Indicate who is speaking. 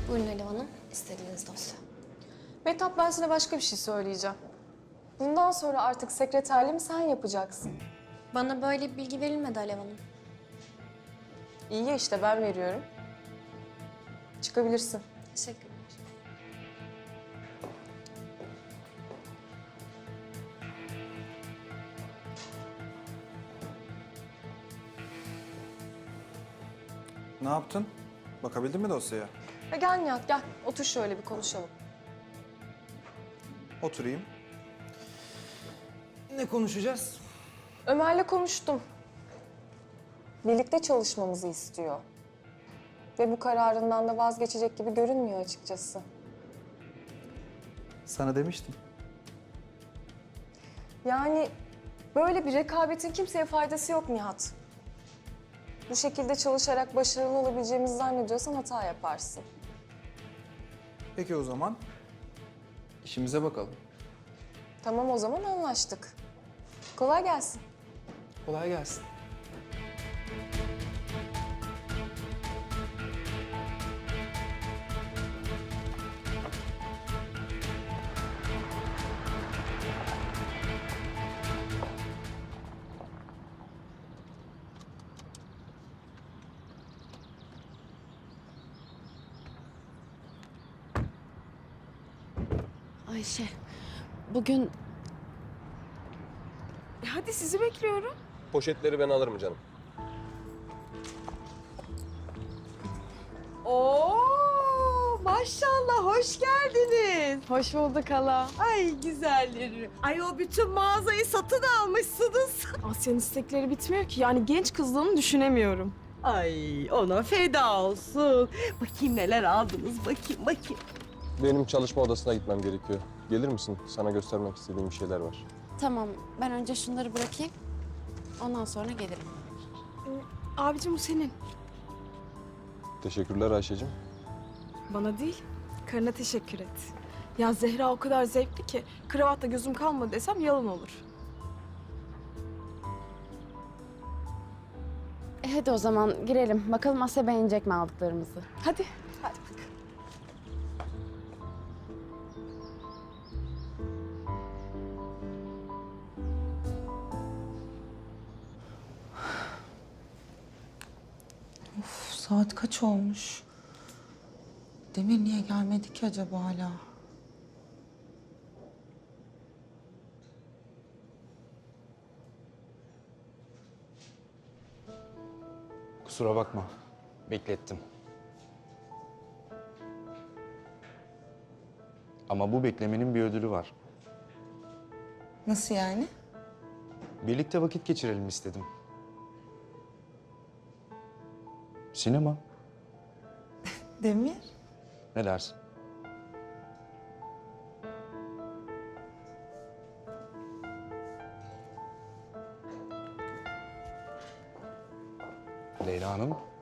Speaker 1: Buyurun Alev Hanım, istediğiniz dosya.
Speaker 2: Mehtap, ben sana başka bir şey söyleyeceğim. Bundan sonra artık sekreterliğimi sen yapacaksın.
Speaker 1: Bana böyle bir bilgi verilmedi Alev Hanım.
Speaker 2: İyi ya işte, ben veriyorum. Çıkabilirsin.
Speaker 1: Teşekkürler.
Speaker 3: Ne yaptın? Bakabildin mi dosyaya?
Speaker 2: Gel Nihat, gel. Otur şöyle bir konuşalım.
Speaker 3: Oturayım. Ne konuşacağız?
Speaker 2: Ömer'le konuştum. Birlikte çalışmamızı istiyor. Ve bu kararından da vazgeçecek gibi görünmüyor açıkçası.
Speaker 3: Sana demiştim.
Speaker 2: Yani böyle bir rekabetin kimseye faydası yok Nihat. Bu şekilde çalışarak başarılı olabileceğimizi zannediyorsan hata yaparsın.
Speaker 3: Peki o zaman işimize bakalım.
Speaker 2: Tamam, o zaman anlaştık. Kolay gelsin.
Speaker 3: Kolay gelsin.
Speaker 4: Ayşe, bugün
Speaker 5: Hadi sizi bekliyorum.
Speaker 6: Poşetleri ben alırım canım.
Speaker 5: Oo, maşallah hoş geldiniz.
Speaker 2: Hoş bulduk hala.
Speaker 5: Ay güzelleri. Ay o bütün mağazayı satın almışsınız.
Speaker 2: Asya'nın istekleri bitmiyor ki. Yani genç kızlığını düşünemiyorum.
Speaker 5: Ay ona feda olsun. Bakayım neler aldınız, bakayım.
Speaker 6: Benim çalışma odasına gitmem gerekiyor. Gelir misin? Sana göstermek istediğim şeyler var.
Speaker 4: tamam, ben önce şunları bırakayım. Ondan sonra gelirim.
Speaker 2: Abicim bu senin.
Speaker 6: Teşekkürler Ayşe'cim.
Speaker 2: Bana değil, karına teşekkür et. Ya Zehra o kadar zevkli ki kravatta gözüm kalmadı desem yalan olur.
Speaker 4: Hadi o zaman girelim. Bakalım Asya beğenecek mi aldıklarımızı?
Speaker 2: Hadi.
Speaker 7: Saat kaç olmuş? Demir niye gelmedi ki acaba hala?
Speaker 8: Kusura bakma. Beklettim. Ama bu beklemenin bir ödülü var.
Speaker 7: Nasıl yani?
Speaker 8: Birlikte vakit geçirelim istedim. Sinema.
Speaker 7: Demir?
Speaker 8: Ne dersin? Leyla Hanım,